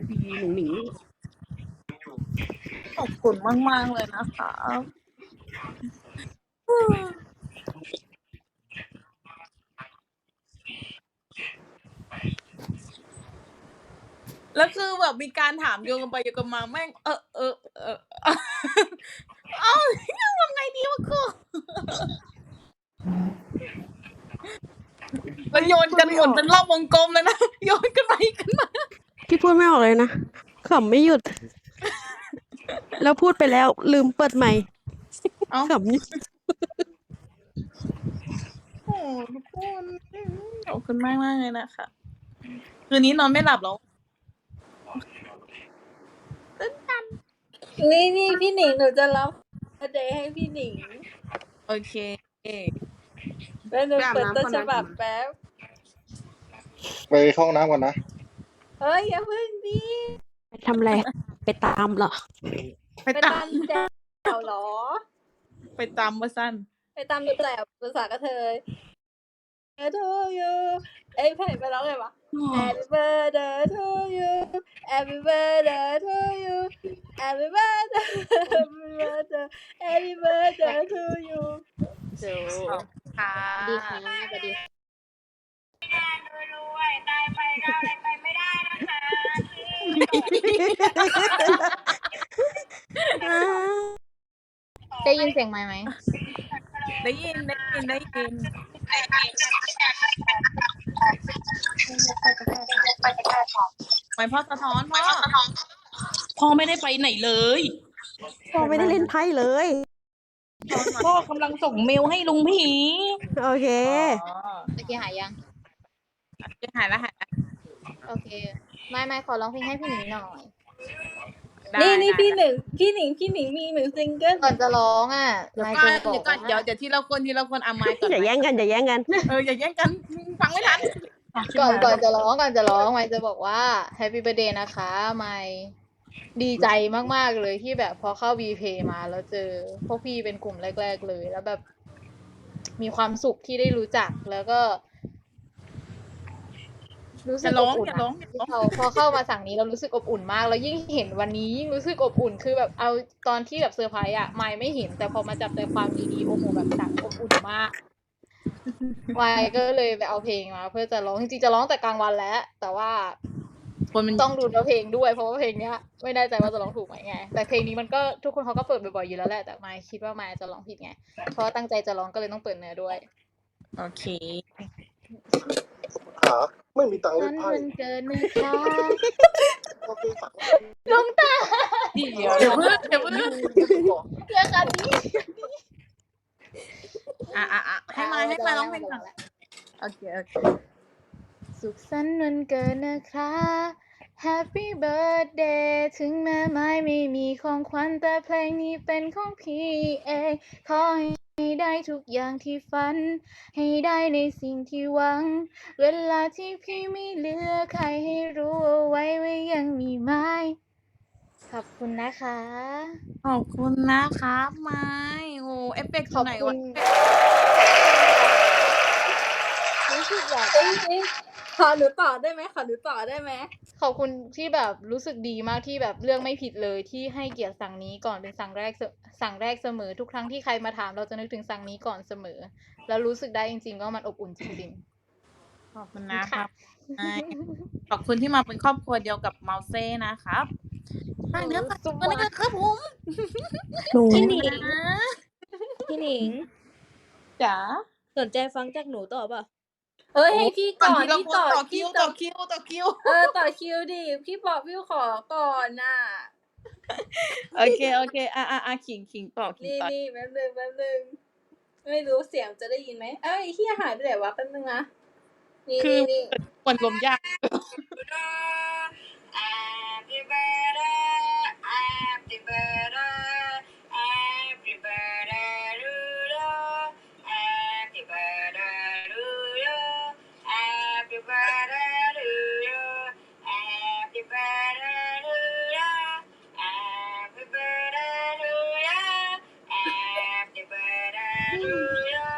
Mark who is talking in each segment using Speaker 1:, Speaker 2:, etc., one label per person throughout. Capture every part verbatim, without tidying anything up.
Speaker 1: พีหนุ่งหนิง
Speaker 2: ขอบคุณมากมากเลยนะคะแล้วคือแบบมีการถามโยงกันไปโยงกันมาแม่งเออเออเออเอ้าทำไงดีวะกูแล้วโยนกันหมดเป็นรอบวงกลมเลยนะโยนกันไปกันมา
Speaker 1: พี่พูดไม่ออกเลยนะขำไม่หยุด แล้วพูดไปแล้วลืมเปิดใหม่ขำอยู่
Speaker 2: โอ้ทุกคนขอบคุณมากมากเลยนะคะคืนนี้นอนไม่หลับแล้วตื่นตัน
Speaker 3: นี่นี่พี่หนิงหนูจะรับเดย์ให้พี่หนิง
Speaker 2: โอเค
Speaker 3: แล้วหนูเปิดต้นฉบับแป๊บ
Speaker 4: ไปเข้าห้องน้ำก่อนนะ
Speaker 3: เฮ้ยอย่าเพิ่งดิ
Speaker 1: ไปทำอะไรไปตามเหรอ
Speaker 2: ไปตาม
Speaker 3: แจ๋วหรอ
Speaker 2: ไปตามมาสั้น
Speaker 3: ไปตามแจ๋วภาษากระเทยเออ to you เอ้ยเพลงไปร้องไงวะ Happy birthday to you Happy birthday to you Happy birthday Happy birthday Happy birthday to you
Speaker 2: จูค่ะ
Speaker 3: ดีค่ะสวัสดีรวยๆตายไปก็อะไรไปไม่ได้นะคะได้ยินเสียงไหมไหม
Speaker 2: ได้ยินได้ยินได้ยินไม่พ่อสะท้อนพ่อพ่อไม่ได้ไปไหนเลย
Speaker 1: พ่อไม่ได้เล่นไพ่เลย
Speaker 2: พ่อกำลังส่งเมลให้ลุงผี
Speaker 1: โอเค
Speaker 3: โอเคหายยัง
Speaker 2: หายแล้วหายแล้ว
Speaker 3: โอเคไม่ไม่ขอร้องเพลงให้พี่หนิงหน่อยนี่นี่พี่หนึ่งพี่หนิงพี่หนิงมีหนึ่งซิงเกิลก่อนจะร้องอ่ะ
Speaker 2: ไม่เดี๋ยวก่อนเดี๋ยวเดี๋ยวทีละคนทีละคนเอาไมค์ก่อน
Speaker 1: อย่าแย่งกันอย่าแย่งกัน
Speaker 2: เอออย่าแย่งกันฟังไม่ทัน
Speaker 3: ก่อนก่อนจะร้องก่อนจะร้องไมค์จะบอกว่า Happy Birthday นะคะไมค์ดีใจมากๆเลยที่แบบพอเข้า V-Play มาแล้วเจอพวกพี่เป็นกลุ่มแรกๆเลยแล้วแบบมีความสุขที่ได้รู้จักแล้วก็รู้สึกอบอุ่นพอพอเข้ามาสั่งนี้เรารู้สึกอบอุ่นมากแล้วยิ่งเห็นวันนี้ยิ่งรู้สึกอบอุ่นคือแบบเอาตอนที่แบบเซอร์ไพรส์อะไม่ไม่เห็นแต่พอมาจับใจความดีๆโอ้โหแบบสั่งอบอุ่นมากวายก็เลยไปเอาเพลงมาเพื่อจะร้องจริงๆจะร้องแต่กลางวันแล้วแต่ว่าต้องดูเนื้อเพลงด้วยเพราะว่าเพลงเนี้ยไม่แน่ใจว่าจะร้องถูกไหมไงแต่เพลงนี้มันก็ทุกคนเขาก็เปิดบ่อยๆอยู่แล้วแหละแต่ไม่คิดว่าไม่จะร้องผิดไงเพราะตั้งใจจะร้องก็เลยต้องเปิดเนื้อด้วย
Speaker 2: โอเค
Speaker 4: ครับไม่มีตังค์เล่นไพ่
Speaker 3: เกินนะคะน้องตา
Speaker 2: เดี๋ยวเดี๋ยวเพิ่งเดี๋ยวเพิ่งเ
Speaker 3: รื่องกันนี้
Speaker 2: อ่ะอ่ะอ่ะให้มาให้มาร้องเพลงก่อนโอเคโอเค
Speaker 3: สุขสันต์วันเกิดนะคะ Happy Birthday ถึงแม้ไม่ไม่มีของขวัญแต่เพลงนี้เป็นของพี่เองขอให้ได้ทุกอย่างที่ฝันให้ได้ในสิ่งที่หวังเวลาที่พี่ไม่เหลือใครให้รู้เอาไว้ว่ายังมีไม้ขอบคุณนะคะ
Speaker 2: ขอบคุณนะคะไม้โอ้เอฟเฟกต์ไหนวะ
Speaker 3: รู้สึกแบบขอหนูต่อได้ไหมขอหนูต่อได้ไหมขอบคุณที่แบบรู้สึกดีมากที่แบบเรื่องไม่ผิดเลยที่ให้เกียรติสั่งนี้ก่อนเป็นสั่งแรกสั่งแรกเสมอทุกครั้งที่ใครมาถามเราจะนึกถึงสั่งนี้ก่อนเสมอแล้วรู้สึกได้จริงๆว่ามันอบอุ่นจริง
Speaker 2: ๆขอบคุณนะครับขอบคุณที่มาเป็นครอบครัวเดียวกับเมาเซ่นะครับฟังเนื้อฟังตัวนะครับผม
Speaker 3: พี่หนิงพี่หนิง
Speaker 2: จ๋า
Speaker 3: สนใจฟังจากหนูต่อป่ะเอ้ยให้พี่ก่อนพี่
Speaker 2: ต่อคิวต่อคิวต่อคิว
Speaker 3: เออต่อคิวดิพี่บอกพี่ขอก่อนน่ะ
Speaker 2: โอเคโอเคอ่ะอ่ะอ่ะขิงขิงต่อขิงต่อ
Speaker 3: นี่นี่แป๊บนึงแป๊บนึงไม่รู้เสียงจะได้ยินไหมเอ้ยเฮียหายไปไหนวะแป๊บนึงนะนี่นี่นี่
Speaker 2: คนลมยาก
Speaker 3: Happy birthday Happy birthday Happy birthday to you Happy birthday to you Happy birthday to you Happy birthday to you Happy birthday to you Happy birthday to you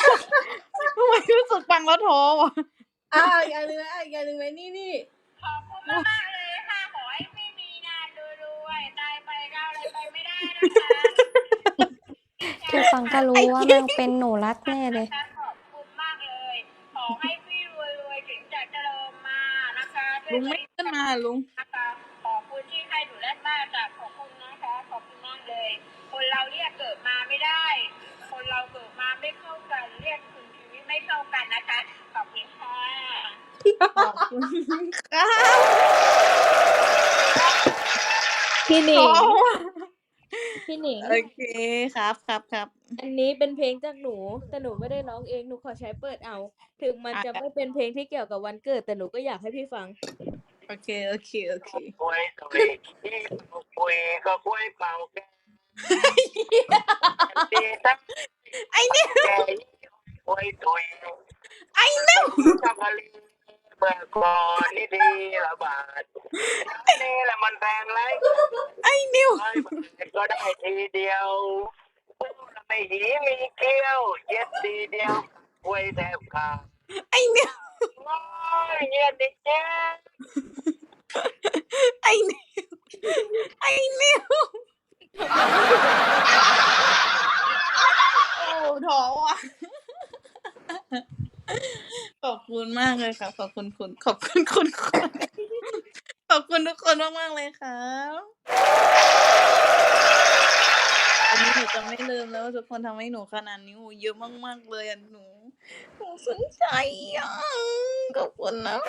Speaker 2: ทำไมรู้สึกฟังแล้วท้อวะ
Speaker 3: อ้าวอย่างนึงไหมอีกอย่างนึงไหมนี่นี่ขอบคุ
Speaker 5: มากๆเลยค่ะขอให้ไม่มีงานรวยๆตายไปก็อะไรไปไม่ได้นะคะ
Speaker 6: แค่ฟังก็รู้ว่าแม่งเป็นหนูรัดแน่เลย
Speaker 5: ขอบคุณมากเลย ขอให้พี่รวยๆถึงจะเจริญมานะคะ
Speaker 2: ลุงไม่ขึ้นมาลุง
Speaker 5: นะคะขอบคุณที่ให้หนูแรกมากจากขอบคุณนะคะขอบคุณมากเลย คนเราเรียกเกิดมาไม่ได้ คนเราเกิดมาไม่เข้ากันเรียกคุณชีวิตไม่เข้ากันนะคะขอบคุณค่ะ
Speaker 2: ขอบคุณค่ะ
Speaker 7: พี่หนิ
Speaker 2: ข
Speaker 7: ง
Speaker 2: อ
Speaker 7: พี่หนิง
Speaker 2: โอเคครับครับครับ
Speaker 7: อันนี้เป็นเพลงจากหนู แต่หนูไม่ได้ร้องเอง หนูขอใช้เปิดเอา ถึงมัน
Speaker 2: อ่ะ
Speaker 7: จะไม่เป็นเพลงที่เกี่ยวกับวันเกิด แต่หนูก็อยากให้พี่ฟัง
Speaker 2: โอเคโอเคโอเค
Speaker 8: คุยตุยคุยก็คุยเป่าแกดีทั้ง
Speaker 2: ไอ้เนี่ย
Speaker 8: แกคุยตุย
Speaker 2: ไอ้เนี่ย
Speaker 8: จักรีเมื่อก่อนนี่ดีละบาทนี่แหละมันแพงไร
Speaker 2: ไอ้นิว
Speaker 8: ร้อยบาทก็ได้ทีเดียวพูดไม่หีมีเกี้ยว เย็ดทีเดียวคุยแทบขาด
Speaker 2: ไอ้นิว
Speaker 8: โอ้ยเย็ดดิเจ๊
Speaker 2: ไอ้นิวไอ้นิวโอ้ท้อว่ะขอบคุณมากเลยครับขอบคุณคุณขอบคุณคุณคนขอบคุณทุกคนมากมากๆเลยครับอันนี้หนูจะไม่ลืมแล้วว่าทุกคนทำให้หนูขนาดนี้โอ้เยอะมากๆเลยอ่ะหนูหนูสนใจอ่ะขอบคุณนะ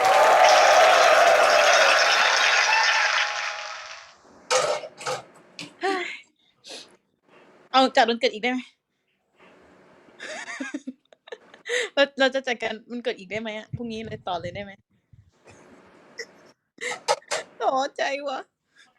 Speaker 2: เฮ้ยเอาจัดวันเกิดอีกได้ไหม เราเราจะจัดการมันเกิดอีกได้ไหมอ่ะพรุ่งนี้เลยต่อเลยได้ไหมท้อใจวะ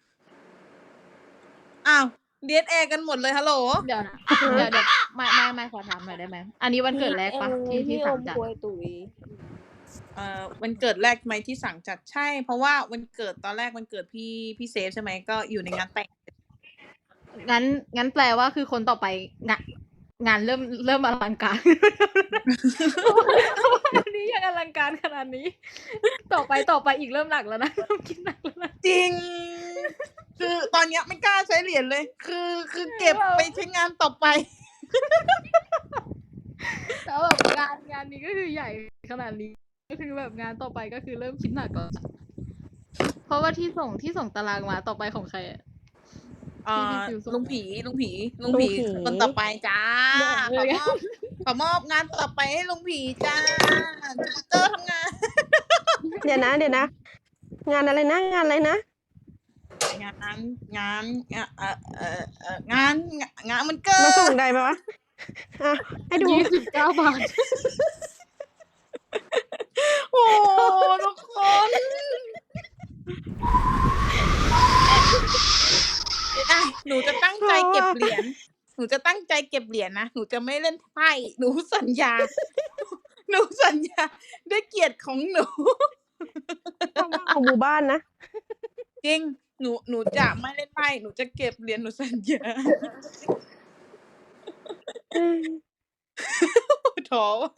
Speaker 2: อ้าวเดียดแอร์กันหมดเลยฮัลโหล
Speaker 3: เดี๋ยวนะ เดี๋ยวเดี๋ยวไม่ไม่ไม่ขอถามหน่อยได้ไหม อันนี้วันเกิดแรกปะที่ที่
Speaker 7: พี่อ
Speaker 3: สั่ง
Speaker 7: ม
Speaker 3: จัด
Speaker 7: ควยตุ๋ย
Speaker 2: เอ่อวันเกิดแรกไหมที่สั่งจัดใช่ เพราะว่าวันเกิดตอนแรกวันเกิดพี่พี่เซฟใช่ไหมก็อยู่ในงานแต่ง
Speaker 3: งั้นงั้นแปลว่าคือคนต่อไปงานงานเริ่มเริ่มอลังการ วันนี้ยังอลังการขนาดนี้ ต่อไปต่อไปอีกเริ่มหนักแล้วนะเริ่มคิดหนักแล้วนะ
Speaker 2: จริง คือตอนเนี้ยไม่กล้าใช้เหรียญเลย คือคือเก็บไปใช้งานต่อไป
Speaker 3: แล้วแบบงานงานนี้ก็คือใหญ่ขนาดนี้ก็คือแบบงานต่อไปก็คือเริ่มคิดหนักแล้วอะเพราะว่าที่ส่งที่ส่งตารางมาต่อไปของใครอะ
Speaker 2: เอ่อ
Speaker 3: ที่พี่ฟิวส่ง
Speaker 2: ลุงผีลุงผีลุง
Speaker 1: ลุง
Speaker 2: ผี
Speaker 1: ผี
Speaker 2: คนต่อไปจ้า
Speaker 3: เดี๋
Speaker 2: ขอ
Speaker 3: ยว
Speaker 2: มอบขอมอบงานต่อไปให้ลุงผีจ้าจูปิเตอร์ทำงาน
Speaker 1: เดี๋ยวนะเดี๋ยวนะ งานอะไรนะ งานอะไรนะ
Speaker 2: งานงานงานเอ่อเอ่อเอ่องานงานมันเกิ
Speaker 1: มาส่ง
Speaker 2: ด
Speaker 1: ได้ปะวะอ่ะให้ดู
Speaker 3: ยี่สิบเก้าบาท
Speaker 2: โอ้ทุกคนอ่ะหนูจะตั้งใจเก็บเหรียญหนูจะตั้งใจเก็บเหรียญนะหนูจะไม่เล่นไพ่หนูสัญญา หนูสัญญาด้วยเกียรติของหนู
Speaker 1: ของหมู่บ้านนะ
Speaker 2: จริง หนู หนูจะไม่เล่นไพ่ หนูจะเก็บเหรียญ หนูสัญญา ท้อว่ะ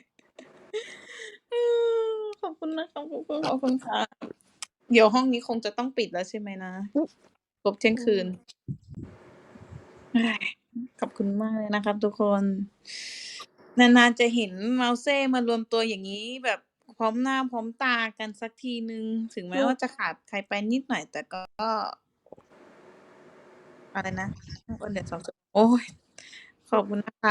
Speaker 2: อืมขอบคุณนะครับขอบคุณขอบคุณค่ะ เดี๋ยวห้องนี้คงจะต้องปิดแล้วใช่ไหมนะครบเที่ยงคืนเฮ้ยขอบคุณมากเลยนะครับทุกคน นานๆจะเห็นเมาเซ่มารวมตัวอย่างนี้แบบพร้อมหน้าพร้อมตากันสักทีนึง ถึงแม้ว่าจะขาดใครไปนิดหน่อย แต่ก็ อะไรนะวันเดือนสองโอ้ย ขอบคุณนะคะ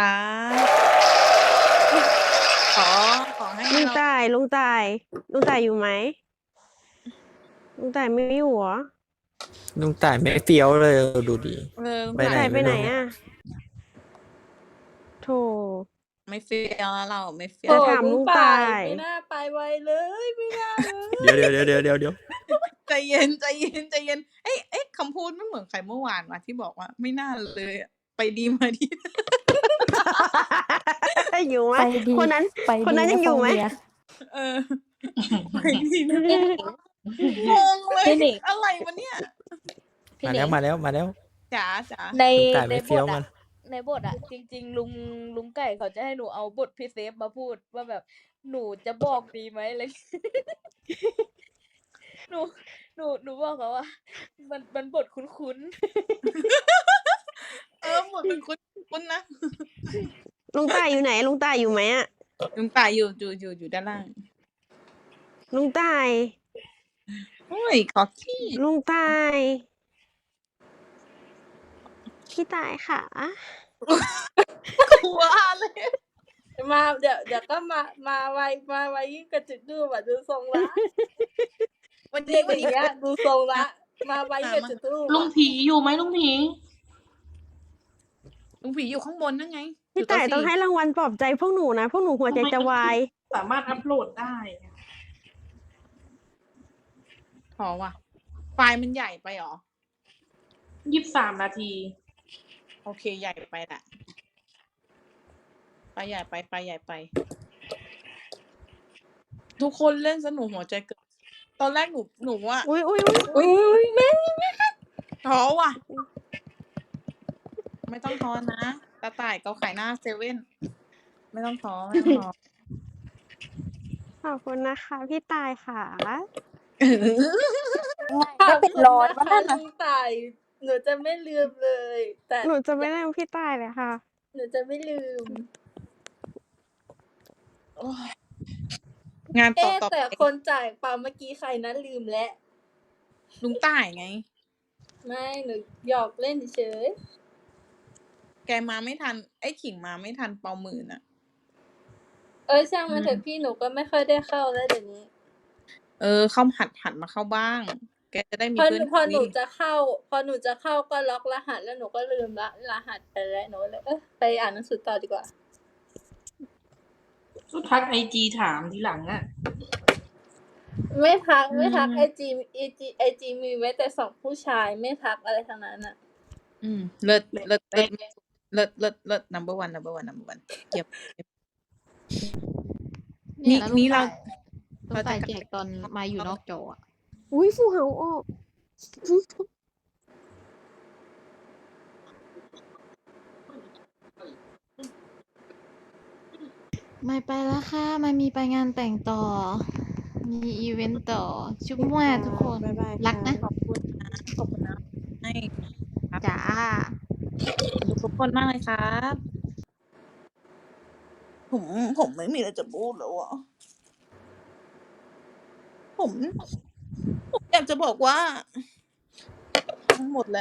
Speaker 2: ขอ ขอให้
Speaker 1: ลุง
Speaker 2: เรา
Speaker 1: ต่ายลุงต่ายลุงต่ายอยู่ไหมลุงต่ายไม่อยู่เหรอ
Speaker 9: ลุงต่ายไม่เฟี้ยวเลยดูดี
Speaker 2: เออ
Speaker 9: ไป
Speaker 1: ลุง
Speaker 9: ไหน
Speaker 1: ต่ายไปไหน
Speaker 9: ไม่รู้
Speaker 1: อ่ะโธ่
Speaker 2: ไม่เฟี้ยวแล้วเราไม่เฟี้ย
Speaker 1: จะ
Speaker 2: ว
Speaker 1: ถามลุงตาย
Speaker 7: ไม่น่าไปไวเลย ไม่น่าเลย
Speaker 9: เดี๋ยวเดี๋ยวเดี๋ยวเดี๋ยวเดี๋ยวเดี๋ยว
Speaker 2: ใจเย็นใจเย็นใจเย็นเอ้ยเอ้ยคำพูดไม่เหมือนใครเมื่อวานว่ะที่บอกว่าไม่น่าเลยอะไปดีมาดี
Speaker 1: อยู่ไหม
Speaker 6: ไปดี
Speaker 1: คนนั้น
Speaker 6: ไป
Speaker 1: คนนั้น
Speaker 6: ดี
Speaker 1: ยังอยู่ไหม
Speaker 6: ฟงเบีร์
Speaker 2: เออ ไปดีนะงงเลย
Speaker 7: พี่หนิง
Speaker 2: อะไรวะเนี่ย
Speaker 7: พี่
Speaker 9: มา
Speaker 7: หนิ
Speaker 9: แล้ว
Speaker 7: ง
Speaker 9: มาแล้วมาแล้ว
Speaker 2: จ๋าจ๋า
Speaker 7: ใน
Speaker 9: ลุงต่าย
Speaker 7: ใน
Speaker 9: ไม่
Speaker 7: บ
Speaker 9: เฟี้ยว
Speaker 7: ท
Speaker 9: มั
Speaker 7: อะ
Speaker 9: น
Speaker 7: ในบทอะจริง ๆ ลุงลุงไก่เขาจะให้หนูเอาบทพี่เซฟมาพูดว่าแบบหนูจะบอกดีไหมอะไรหนูหนูหนูบอกเขาว่า มันมันบทคุ้น
Speaker 2: เออหมดเป็นคุณคุณนะ
Speaker 1: ลุงต่ายอยู่ไหน ลุงต่ายอยู่ไหมอะ
Speaker 2: ลุงต่ายอยู่อยู่อยู่อยู่ด้านล่าง
Speaker 1: ลุงต่าย
Speaker 2: โอ้ยขอขี้
Speaker 1: ลุงต่าย พี่ต่ายค่ะ
Speaker 2: ว่าเลย
Speaker 7: มาเดี๋ยวเดี๋ยวก็มามาไวมาไวยิ่งกระจุกดูแบบดูทรงละ
Speaker 2: วัน
Speaker 7: เด็
Speaker 2: นี้
Speaker 7: ก
Speaker 2: วัน
Speaker 7: อ
Speaker 2: นี้
Speaker 7: ย่างเงี้ยดูทรงละ มาไวยิ่งกระจุกดู
Speaker 2: ลุงผีอยู่ไหมลุงผีลุงผีอยู่ข้างบนนั่นไง
Speaker 1: พี่ต่ายต้องให้รางวัลปลอบใจพวกหนูนะ พวกหนูหัวใจจะวาย
Speaker 2: สามารถอัพโหลดได้พอว่ะ ไฟล์มันใหญ่ไปหรอยี่สิบสามนาที โอเคใหญ่ไปแหละไปใหญ่ไปไปใหญ่ไป ทุกคนเล่นสนุกหัวใจเกิดตอนแรกหนูหนูว่า
Speaker 1: อุ้ยอุ้ยอุ้ย
Speaker 7: อุ้ยแม่
Speaker 2: ท้อว่ะ ไม่ต้องท้อนะตาต่ายเกาไข่หน้าเซเว่นไม่ต้องท้อไม่ต้องท้อ
Speaker 1: ขอบคุณนะคะ พี่ต่ายค่ะ
Speaker 7: ไม่เป็นร้อยวันนั้นนะตายหนูจะไม่ลืมเลย แต่
Speaker 1: หนูจะไม่ลืมพี่ต่ายเลยค่ะ
Speaker 7: หนูจะไม่ลืม
Speaker 2: งานต่อ
Speaker 7: เอ๊ะ
Speaker 2: ต่อ
Speaker 7: แต่
Speaker 2: ไป
Speaker 7: คนจ่ายปาเมื่อกี้ใครนะลืมแล้ว
Speaker 2: ลุงต่ายไง
Speaker 7: ไม่หนูหยอกเล่นเฉย
Speaker 2: แกมาไม่ทัน ไอ้ขิงมาไม่ทันเปาหมื่นอ่ะ
Speaker 7: เออช่างมันเถอะพี่หนูก็ไม่ค่อยได้เข้าแล้วเดี๋ยวนี้
Speaker 2: เออ เข้าหัดหัดมาเข้าบ้าง แกจะได้มี
Speaker 7: พอห
Speaker 2: เพื่อ
Speaker 7: นู
Speaker 2: น
Speaker 7: พอหนู
Speaker 2: คุย
Speaker 7: จะเข้า พอหนูจะเข้าก็ล็อกรหัสแล้วหนูก็ลืมละรหัสไปแล้วหนูก็เลยเออไปอ่านหนังสือต่อดีกว่า
Speaker 10: ก็ทักไอจีถามทีหลังอ่ะ
Speaker 7: ไม่ทักไม่ทักไอจีไอจีไอจีมีไว้แต่สองผู้ชายไม่ทักอะไรทั้งนั้นอ่ะ
Speaker 2: อืมเลิศเลิศเลิศเลิศเลิศเลิศ number one number one number one เก็บนี่นี่เรา
Speaker 3: ต้องใส่แจกตอนมาอยู่นอกจออะ
Speaker 1: อุ้ยฟูเฮาออก
Speaker 3: ไม่ไปแล้วค่ะไม่มีไปงานแต่งต่อ มีอีเวนต์ต่อ ชุบมั่วทุกคน
Speaker 1: บ๊ายบาย
Speaker 3: รักนะ
Speaker 2: ขอบคุณนะขอบคุณนะให้
Speaker 3: จ้า
Speaker 2: ทุกคนมากเลยครับ ผมผมไม่มีอะไรจะพูดแล้วอ่ะผมผมอยากจะบอกว่า หมดแล้ว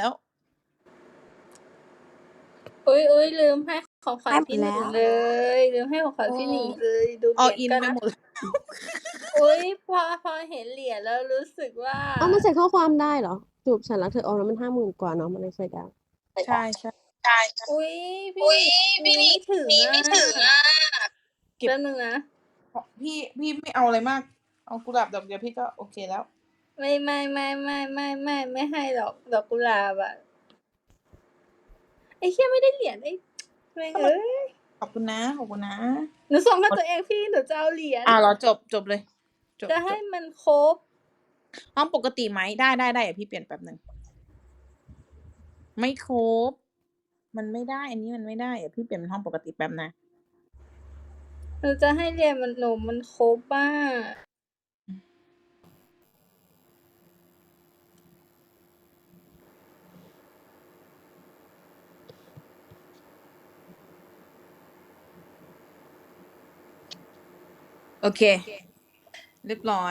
Speaker 7: อุ้ยอุ้ยลืมให้ของขวัญพี่หนิงเลยลืมให้ของขวัญพี่หนิงเลยดูเห
Speaker 2: อ
Speaker 7: รี
Speaker 2: อิ
Speaker 7: ย
Speaker 2: น
Speaker 7: ญกัน
Speaker 2: ไป
Speaker 7: นะ
Speaker 2: หมดแล้ว
Speaker 7: อุ้ยพอพอเห็นเหรียญแล้วรู้สึกว่า
Speaker 1: เอามาใส่ข้อความได้เหรอ จูบฉันรักเธอออกแล้วมันห้าหมื่นกว่าเนาะมันเลยใส่ได้
Speaker 2: ใช่ใช่
Speaker 7: อุ้ยพี่พี่ไม่ถึงไม่ถึงอ่ะแป๊บนึงนะ
Speaker 2: พี่พี่ไม่เอาอะไรมาก เอากุหลาบดอกเดียวพี่ก็โอเคแล้ว
Speaker 7: ไม่ไม่ไม่ไม่ไม่ไม่ไม่ให้ดอกดอกกุหลาบอ่ะไอ้เหี้ยไม่ได้เหรียญไอ้แม่งเอ้ย
Speaker 2: ขอบคุณนะขอบคุณนะ
Speaker 7: หนูส่งให้ตัวเองพี่หนูจะเอาเหรียญ
Speaker 2: อ่าเราจบจบเลยจบ
Speaker 7: จะให้มันครบ
Speaker 2: ห้องปกติไหมได้ได้ได้เดี๋ยวพี่เปลี่ยนแป๊บหนึ่งไม่ครบ มันไม่ได้ อันนี้มันไม่ได้เดี๋ยวพี่เปลี่ยนเป็นห้องปกติแป๊บนะ
Speaker 7: หนูจะให้เหรียญมันหนูมันครบบ้า
Speaker 2: โอเค เรียบร้อย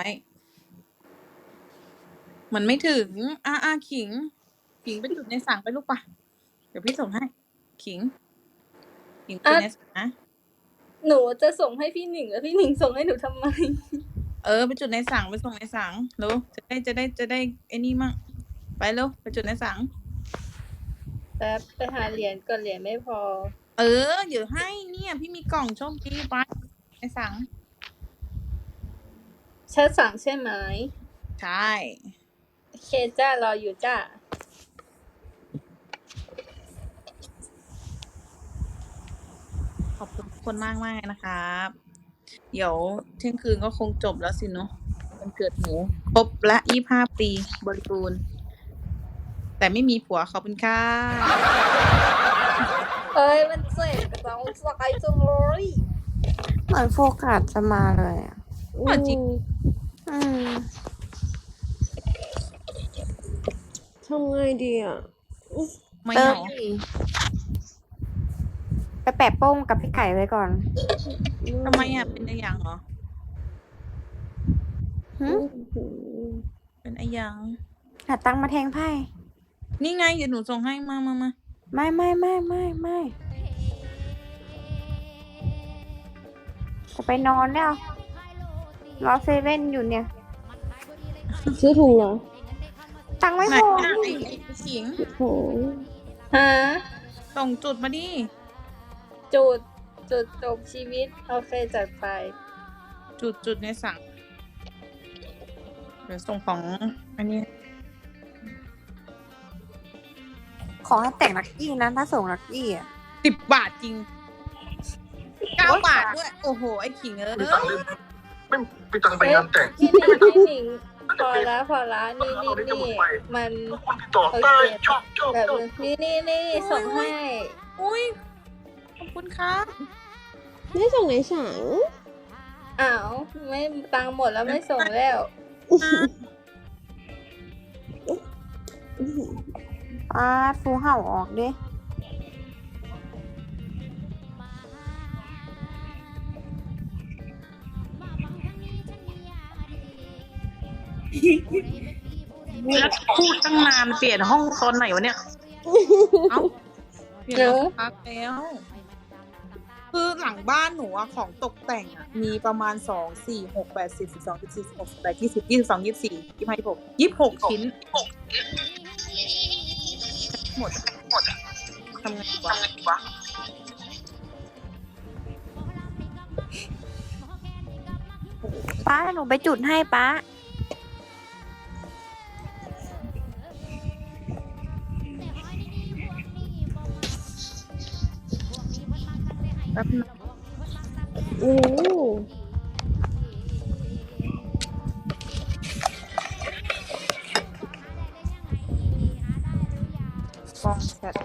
Speaker 2: มันไม่ถึงอ่าอ่าขิง ขิงไปจุดในสั่งไปลูกปะเดี๋ยวพี่ส่งให้ ขิง ขิงจุดในสั่งนะ
Speaker 7: หนูจะส่งให้พี่หนิงแล้วพี่หนิงส่งให้หนูทำไม
Speaker 2: เออไปจุดในสั่งไปส่งในสั่งเร็วจะได้จะได้จะได้ไอ้นี่มั่งไปเร็วไปจุดในสั่ง
Speaker 7: แป๊บไปหาเหรียญก่อนเหรียญไม่พอ
Speaker 2: เออเดี๋ยวให้เนี่ย พี่มีกล่องโชคดีไปในสั่ง
Speaker 7: แชทสั่งใช่ไหม
Speaker 2: ใช่
Speaker 7: โอเคจ้ารออยู่จ้า
Speaker 2: ขอบคุณทุกคนมากมากนะครับ เดี๋ยวเที่ยงคืนก็คงจบแล้วสิเนาะวันเกิดหนูครบละยี่ห้าปีบริบูรณ์แต่ไม่มีผัวขอบคุณค่ะ
Speaker 7: เอ้ยมันเจ็บสองสายจังเลย
Speaker 6: เหมือนโฟกัสจะมาเลยอ่ะ
Speaker 2: อ่ะจริง
Speaker 6: อืม
Speaker 1: ทำไงดีอ่ะ
Speaker 2: ไม่
Speaker 6: เติ
Speaker 2: เห
Speaker 6: ม
Speaker 2: งา
Speaker 6: ดิไปแปะโป้งกับพี่ไก่ไว้ก่อน
Speaker 2: ทำไมอ่ะเป็นไอ้ยังเหรอ
Speaker 6: หึ
Speaker 2: เป็นไอ้ยัง
Speaker 6: หาตังค์มาแทงไพ่
Speaker 2: นี่ไงเดี๋ยวหนูส่งให้มามามา
Speaker 6: ไม่ไม่ไม่ไม่ไม่จะไปนอนแล้วรอเซเว่นอยู่เนี่ย
Speaker 1: ซื้อถุงเหรอ
Speaker 6: ตังค์ไม่
Speaker 2: ไหน
Speaker 6: พอ
Speaker 2: อ่ะไอ้ไอ้ขิง
Speaker 1: โห
Speaker 7: ฮะ
Speaker 2: ส่งจุดมาดิ
Speaker 7: จุดจุดจบชีวิตโอเคจัดไป
Speaker 2: จุดจุดในสั่งเดี๋ยวส่งของอันนี้
Speaker 6: ขอให้แต่งลักกี้นะถ้าส่งลักกี้อ่ะ
Speaker 2: สิบบาทจริงเก้าบาทด้วย โอ้โห ไอ้ขิงเอ้ย
Speaker 4: ไม่มีตังค์ไปงานแต่ง
Speaker 7: พี่หนิงพี่หนิงพอละพอละนี่นี่นี่มัน
Speaker 4: คนติดต่อใต้ชอบชอบ
Speaker 7: แบบ
Speaker 4: ชอบ
Speaker 7: นี่นี่นี่ส่งให้
Speaker 2: อุ้ย ขอบคุณครับ
Speaker 1: ไม่ส่งไหนสั่ง
Speaker 7: อ้าวไม่ตังค์หมดแล้วไม่ส่งแล้ว
Speaker 6: อ่าฟูเห่าออกดิ
Speaker 10: แล้วพูดตั้งนานเปลี่ยนห้องตอนไหนวะเนี่ย
Speaker 2: เอ้าเปลี่ยนแล้วพักแล้ว คือหลังบ้านหนูอะของตกแต่งอะมีประมาณสองสี่หกแปดสิบสิบสองสิบสี่สิบหกสิบแปดยี่สิบยี่สิบสองยี่สิบสี่ยี่สิบห้ายี่สิบหกยี่สิบหกชิ้นหมดหมดทำไงวะ
Speaker 6: ป้าหนูไปจุดให้ป้า
Speaker 2: แป๊บนึง
Speaker 1: โอ้โห
Speaker 2: กองแชท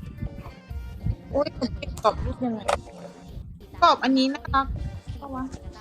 Speaker 2: โอ้ยหนูเก็บกรอบรูปยังไงกรอบอันนี้น่ารักปะวะ